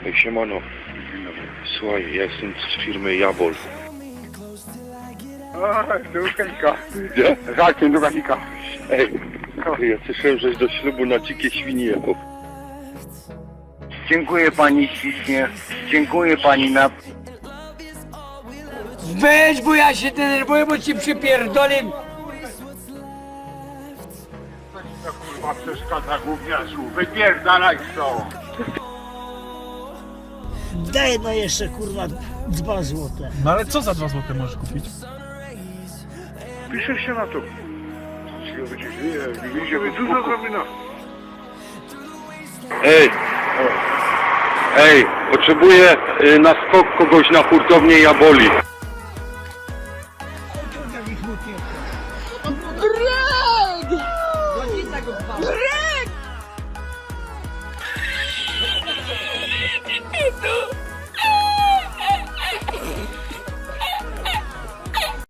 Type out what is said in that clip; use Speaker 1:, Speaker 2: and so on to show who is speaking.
Speaker 1: Ej, siemano. Słuchaj, ja jestem z firmy Jabol.
Speaker 2: Do Kazika.
Speaker 1: Gdzie?
Speaker 2: Żarkiem do Kazika.
Speaker 1: Ej, ja słyszałem, żeś do ślubu na dzikie świnie jechał.
Speaker 2: Dziękuję pani ślicznie. Dziękuję pani na...
Speaker 3: Weź, bo ja się denerwuję, bo ci przypierdolę.
Speaker 2: To kurwa przeszkadza gówniarzu. Wypierdalaj to.
Speaker 4: Daj no jeszcze kurwa 2 złote.
Speaker 5: No ale co za 2 złote możesz kupić?
Speaker 2: Pisze się na to. Widzimy dużo zrobina.
Speaker 1: Ej, potrzebuję na skok kogoś na hurtownię Jaboli.